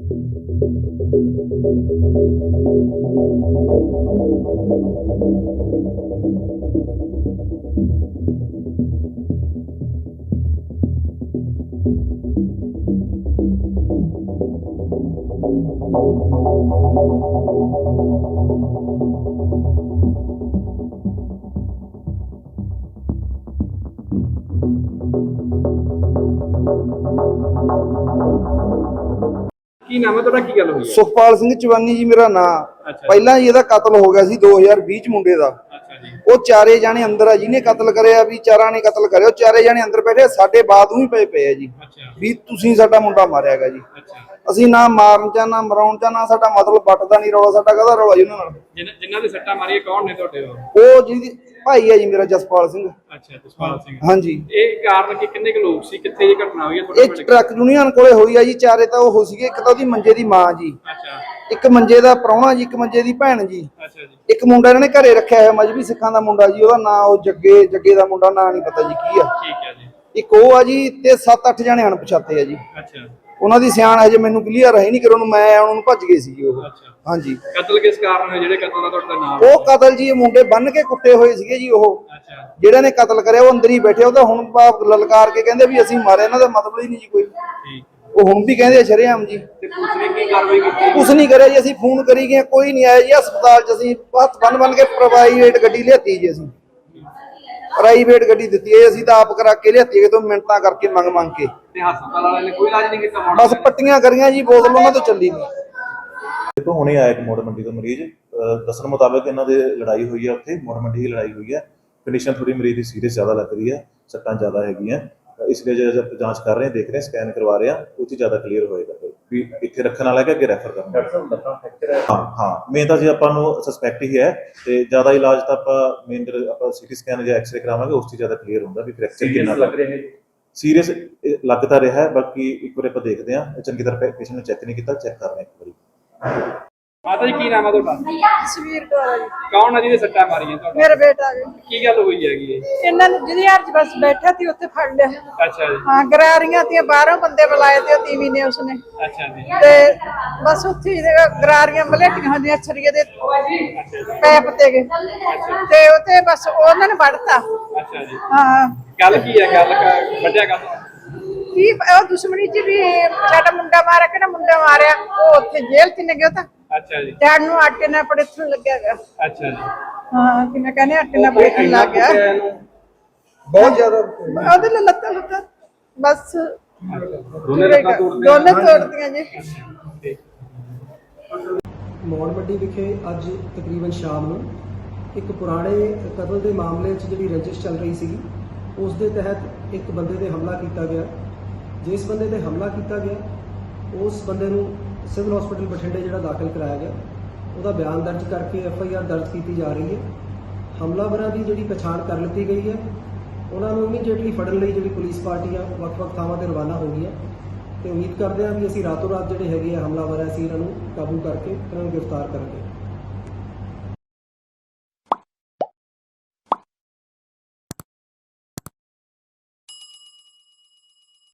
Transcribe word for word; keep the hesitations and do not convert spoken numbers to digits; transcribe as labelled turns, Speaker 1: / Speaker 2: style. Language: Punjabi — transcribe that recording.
Speaker 1: ਕੀ ਨਾਮ ਹੈ ਤੁਹਾਡਾ? ਕੀ ਗੱਲ ਹੋਈ ਹੈ?
Speaker 2: ਸੁਖਪਾਲ ਸਿੰਘ ਚਵਾਨੀ ਜੀ ਮੇਰਾ ਨਾਮ। ਪਹਿਲਾਂ ਜੀ ਇਹਦਾ ਕਤਲ ਹੋ ਗਿਆ ਸੀ ਦੋ ਹਜ਼ਾਰ ਵੀਹ ਚ ਮੁੰਡੇ ਦਾ। ਉਹ ਚਾਰੇ ਜਾਣੇ ਅੰਦਰ ਆ, ਜਿਹਨੇ ਕਤਲ ਕਰਿਆ ਵੀ ਚਾਰਾਂ ਨੇ ਕਤਲ ਕਰਿਆ। ਉਹ ਚਾਰੇ ਜਾਣੇ ਅੰਦਰ ਬੈਠੇ, ਸਾਡੇ ਬਾਦੂ ਹੀ ਪਏ ਪਏ ਆ ਜੀ ਵੀ ਤੁਸੀਂ ਸਾਡਾ ਮੁੰਡਾ ਮਾਰਿਆ ਹੈਗਾ ਜੀ। ਅਸੀਂ ਨਾ ਮਾਰਨ ਚ ਨਾ ਮਰਾਉਣ ਚ, ਨਾ ਸਾਡਾ ਮਤਲਬ ਵੱਟਦਾ ਨਹੀਂ ਰੌਲਾ। ਸਾਡਾ ਕਾਹਦਾ ਰੌਲਾ ਜੀ ਉਹਨਾਂ ਨਾਲ?
Speaker 1: ਜਿਨ੍ਹਾਂ ਦੇ ਸੱਟਾਂ ਮਾਰੀਆਂ ਕੌਣ ਨੇ ਤੁਹਾਡੇ?
Speaker 2: ਉਹ ਜਿਹਦੀ ਭਾਈ ਹੈ ਜੀ ਮੇਰਾ, ਜਸਪਾਲ ਸਿੰਘ।
Speaker 1: ਅੱਛਾ, ਜਸਪਾਲ ਸਿੰਘ।
Speaker 2: ਹਾਂਜੀ।
Speaker 1: ਇਹ ਕਾਰਨ ਕਿ ਕਿੰਨੇ ਕੁ ਲੋਕ ਸੀ, ਕਿੱਥੇ ਇਹ ਘਟਨਾ ਹੋਈ ਹੈ?
Speaker 2: ਇਹ ਟਰੱਕ ਯੂਨੀਅਨ ਕੋਲੇ ਹੋਈ ਆ ਜੀ। ਚਾਰੇ ਤਾਂ ਉਹ ਸੀਗੇ, ਇੱਕ ਤਾਂ ਉਹਦੀ ਮੰਜੇ ਦੀ ਮਾਂ ਜੀ, ਇੱਕ ਮੰਜੇ ਦਾ ਪ੍ਰਾਹੁਣਾ ਜੀ, ਇੱਕ ਮੰਜੇ ਦੀ ਭੈਣ ਜੀ, ਇੱਕ ਮੁੰਡਾ ਇਹਨਾਂ ਨੇ ਘਰੇ ਰੱਖਿਆ ਹੋਇਆ ਮਜਬੀ ਸਿੱਖਾਂ ਦਾ ਮੁੰਡਾ ਜੀ। ਉਹਦਾ ਨਾਂ ਉਹ ਜੱਗੇ ਜੱਗੇ ਦਾ ਮੁੰਡਾ, ਨਾਂ ਨਹੀਂ ਪਤਾ ਜੀ ਕੀ ਆ।
Speaker 1: ਠੀਕ ਹੈ ਜੀ।
Speaker 2: ਇੱਕ ਉਹ ਆ ਜੀ, ਤੇ ਸੱਤ ਅੱਠ ਜਣੇ ਅਣਪਛਾਤੇ ਆ ਜੀ।
Speaker 1: ਅੱਛਾ।
Speaker 2: ਉਹਨਾਂ ਦੀ ਸਿਆਣ ਹਜੇ ਮੈਨੂੰ ਕਲੀਅਰ ਹੈ ਨਹੀਂ, ਕਿ ਉਹਨੂੰ ਮੈਂ ਉਹਨਾਂ ਨੂੰ ਭੱਜ ਗਏ ਸੀ ਉਹ। ਹਾਂਜੀ।
Speaker 1: ਕਤਲ ਕਿਸ ਕਾਰਨ ਹੋਇਆ? ਜਿਹੜੇ ਕਤਲ ਦਾ ਤੁਹਾਡਾ ਨਾਮ?
Speaker 2: ਉਹ ਕਤਲ ਜੀ, ਇਹ ਮੁੰਡੇ ਬੰਨ ਕੇ ਕੁੱਟੇ ਹੋਏ ਸੀਗੇ ਜੀ। ਉਹ ਜਿਹੜਾ ਨੇ ਕਤਲ ਕਰਿਆ ਉਹ ਅੰਦਰ ਹੀ ਬੈਠੇ। ਉਹ ਤਾਂ ਹੁਣ ਬਾਪ ਲਲਕਾਰ ਕੇ ਕਹਿੰਦੇ ਵੀ ਅਸੀਂ ਮਾਰੇ, ਇਹਨਾਂ ਦਾ ਮਤਲਬ ਹੀ ਨਹੀਂ ਜੀ ਕੋਈ। ਉਹ ਹੁਣ ਵੀ ਕਹਿੰਦੇ ਸ਼ਰੇਆਮ ਜੀ।
Speaker 1: ਤੇ ਪੁਲਿਸ ਨੇ ਕੀ ਕਾਰਵਾਈ ਕੀਤੀ?
Speaker 2: ਕੁਛ ਨਹੀਂ ਕਰਿਆ ਜੀ। ਅਸੀਂ ਫੋਨ ਕਰੀ ਗਏ, ਕੋਈ ਨਹੀਂ ਆਇਆ ਜੀ। ਹਸਪਤਾਲ ਚ ਅਸੀਂ ਹੱਥ ਬੰਨ ਬੰਨ ਕੇ ਪ੍ਰਾਈਵੇਟ ਗੱਡੀ ਲਿਆਤੀ ਜੀ। ਅਸੀਂ ਪ੍ਰਾਈਵੇਟ ਗੱਡੀ ਦਿੱਤੀ ਹੈ, ਅਸੀਂ ਤਾਂ ਆਪ ਕਰਾ ਕੇ ਲਿਆਤੀ, ਤੋਂ ਮਿੰਟਾਂ ਕਰਕੇ ਮੰਗ ਮੰਗ ਕੇ।
Speaker 1: ਤੇ ਹਸਪਤਾਲ ਵਾਲਿਆਂ ਨੇ ਕੋਈ ਇਲਾਜ ਨਹੀਂ ਕੀਤਾ?
Speaker 2: ਬਸ ਪੱਟੀਆਂ ਕਰੀਆਂ ਜੀ, ਬੋਤਲ ਉਹਨਾਂ ਤੋਂ ਚੱਲੀ ਨਹੀਂ।
Speaker 3: ਦੇਖੋ ਹੁਣੇ ਆਇਆ ਇੱਕ ਮੋੜ ਮੰਡੀ ਤੋਂ ਮਰੀਜ਼, ਦੱਸਣ ਮੁਤਾਬਕ ਇਹਨਾਂ ਦੇ ਲੜਾਈ ਹੋਈ ਹੈ, ਉੱਥੇ ਮੋੜ ਮੰਡੀ ਦੀ ਲੜਾਈ ਹੋਈ ਹੈ। ਕੰਡੀਸ਼ਨ ਥੋੜੀ ਮਰੀਜ਼ ਦੀ ਸੀਰੀਅਸ ਜ਼ਿਆਦਾ ਲੱਗ ਰਹੀ ਹੈ, ਸੱਟਾਂ ਜ਼ਿਆਦਾ ਹੈਗੀਆਂ, ਇਸ ਲਈ ਜੇ ਜਾਂਚ ਕਰ ਰਹੇ ਹਾਂ, ਦੇਖ ਰਹੇ ਹਾਂ, ਸਕੈਨ ਕਰਵਾ ਰਹੇ ਹਾਂ, ਉਹ 'ਚ ਜ਼ਿਆਦਾ ਕਲੀਅਰ ਹੋਏਗਾ ਵੀ ਇੱਥੇ ਰੱਖਣ ਵਾਲਾ ਕਿ ਅੱਗੇ ਰੈਫਰ ਕਰਨਾ। ਹਾਂ ਹਾਂ ਮੇਨ ਤਾਂ ਜੀ ਆਪਾਂ ਨੂੰ ਸਸਪੈਕਟ ਹੀ ਹੈ, ਤੇ ਜ਼ਿਆਦਾ ਇਲਾਜ ਤਾਂ ਆਪਾਂ ਮੇਨ ਆਪਾਂ ਸਿਟੀ ਸਕੈਨ ਜਾਂ ਐਕਸਰੇ ਕਰਾਵਾਂਗੇ, ਉਸ 'ਚ ਜ਼ਿਆਦਾ ਕਲੀਅਰ ਹੁੰਦਾ ਵੀ ਫ੍ਰੈਕਚਰ ਕਿੰਨਾ ਲੱਗ ਰਿਹਾ ਹੈ। ਸੀਰੀਅਸ ਲੱਗਦਾ ਰਿਹਾ, ਬਾਕੀ ਇੱਕ ਵਾਰ ਆਪਾਂ ਦੇਖਦੇ ਹਾਂ, ਚੰਗੀ ਤਰ੍ਹਾਂ ਪੇਸ਼ੈਂਟ ਨੂੰ ਚੈੱਕ ਨਹੀਂ ਕੀਤਾ, ਚੈੱਕ ਕਰ ਰਹੇ ਇੱਕ ਵਾਰੀ।
Speaker 1: ਮਾਤਾ ਜੀ ਕੀ ਨਾਮ ਹੈ ਤੁਹਾਡਾ?
Speaker 4: ਜਸਵੀਰ ਕੌਰ ਜੀ।
Speaker 1: ਕੌਣ ਹੈ ਜਿਹਦੇ ਸੱਟਾਂ ਮਾਰੀਆਂ ਤੁਹਾਡਾ?
Speaker 4: ਮੇਰਾ ਬੇਟਾ ਜੀ।
Speaker 1: ਕੀ ਗੱਲ ਹੋਈ ਹੈਗੀ?
Speaker 4: ਇਹਨਾਂ ਨੂੰ ਜਿਹਦੀ ਹਰ ਚ ਬਸ ਬੈਠਾ ਸੀ ਉੱਥੇ ਫੜ ਲਿਆ।
Speaker 1: ਅੱਛਾ ਜੀ।
Speaker 4: ਹਾਂ, ਗਰਾਰੀਆਂ ਤੀਆਂ ਬਾਹਰੋਂ ਬੰਦੇ ਬੁਲਾਏ ਤੇ ਉਹ ਤੀਵੀਂ ਨੇ ਉਸਨੇ।
Speaker 1: ਅੱਛਾ ਜੀ।
Speaker 4: ਤੇ ਬਸ ਉੱਥੇ ਹੀ ਗਰਾਰੀਆਂ ਮਲੇਟੀਆਂ ਹੁੰਦੀਆਂ ਛਰੀਏ ਦੇ ਪੈਪ ਤੇ ਗਏ ਤੇ ਉੱਥੇ ਬਸ ਉਹਨਾਂ ਨੇ ਵੜਤਾ।
Speaker 1: ਅੱਛਾ ਜੀ।
Speaker 4: ਹਾਂ।
Speaker 1: ਗੱਲ ਕੀ ਹੈ? ਗੱਲ ਵੱਡਿਆ ਗੱਲ
Speaker 4: ਕੀ ਉਹ ਦੁਸ਼ਮਣੀ ਚ ਵੀ ਸਾਡਾ ਮੁੰਡਾ ਮਾਰਿਆ, ਕਿਹੜਾ ਮੁੰਡਾ ਮਾਰਿਆ, ਉਹ ਉੱਥੇ ਜੇਲ੍ਹ ਚ ਨੇ ਗਿਆ ਤਾਂ।
Speaker 1: ਅੱਛਾ ਜੀ।
Speaker 4: ਡੈਡ ਨੂੰ ਆਟੇ ਨਾਲ ਪੜੇਥਣ ਲੱਗਿਆ ਗਿਆ।
Speaker 1: ਅੱਛਾ ਜੀ।
Speaker 4: ਹਾਂ, ਕਿਵੇਂ ਕਹਿੰਦੇ ਆਟੇ ਨਾਲ ਪੜੇਥਣ ਲੱਗ ਗਿਆ।
Speaker 2: ਬਹੁਤ ਜ਼ਿਆਦਾ
Speaker 4: ਉਹਦੇ ਨਾਲ ਲੱਤਾਂ ਲੁੱਤਾਂ ਬਸ ਦੋਨੇ ਤੋੜਦੀਆਂ ਜੀ।
Speaker 5: ਮੌੜ ਮੰਡੀ ਵਿਖੇ ਅੱਜ ਤਕਰੀਬਨ ਸ਼ਾਮ ਨੂੰ ਇੱਕ ਪੁਰਾਣੇ ਕਤਲ ਦੇ ਮਾਮਲੇ 'ਚ ਜਿਹੜੀ ਰੰਜਿਸ਼ ਚੱਲ ਰਹੀ ਸੀਗੀ, ਉਸ ਦੇ ਤਹਿਤ ਇੱਕ ਬੰਦੇ ਤੇ ਹਮਲਾ ਕੀਤਾ ਗਿਆ। ਜਿਸ ਬੰਦੇ ਤੇ ਹਮਲਾ ਕੀਤਾ ਗਿਆ, ਉਸ ਬੰਦੇ ਨੂੰ ਸਿਵਲ ਹਸਪੀਟਲ ਬਠਿੰਡੇ ਜਿਹੜਾ ਦਾਖਲ ਕਰਾਇਆ ਗਿਆ, ਉਹਦਾ ਬਿਆਨ ਦਰਜ ਕਰਕੇ ਐਫ ਆਈ ਆਰ ਦਰਜ ਕੀਤੀ ਜਾ ਰਹੀ ਹੈ। ਹਮਲਾਵਰਾਂ ਦੀ ਜਿਹੜੀ ਪਛਾਣ ਕਰ ਲਿੱਤੀ ਗਈ ਹੈ। ਉਹਨਾਂ ਨੂੰ ਇਮੀਡੀਏਟਲੀ ਫੜਨ ਲਈ ਜਿਹੜੀ ਪੁਲਿਸ ਪਾਰਟੀ ਆ ਵੱਖ-ਵੱਖ ਥਾਵਾਂ ਤੇ ਰਵਾਨਾ ਹੋ ਗਈ ਹੈ, ਤੇ ਉਮੀਦ ਕਰਦੇ ਹਾਂ ਵੀ ਅਸੀਂ ਰਾਤੋਂ ਰਾਤ ਜਿਹੜੇ ਹੈਗੇ ਆ ਹਮਲਾਵਰ, ਅਸੀਂ ਇਹਨਾਂ ਨੂੰ ਕਾਬੂ ਕਰਕੇ ਇਹਨਾਂ ਨੂੰ ਗ੍ਰਿਫਤਾਰ ਕਰਾਂਗੇ।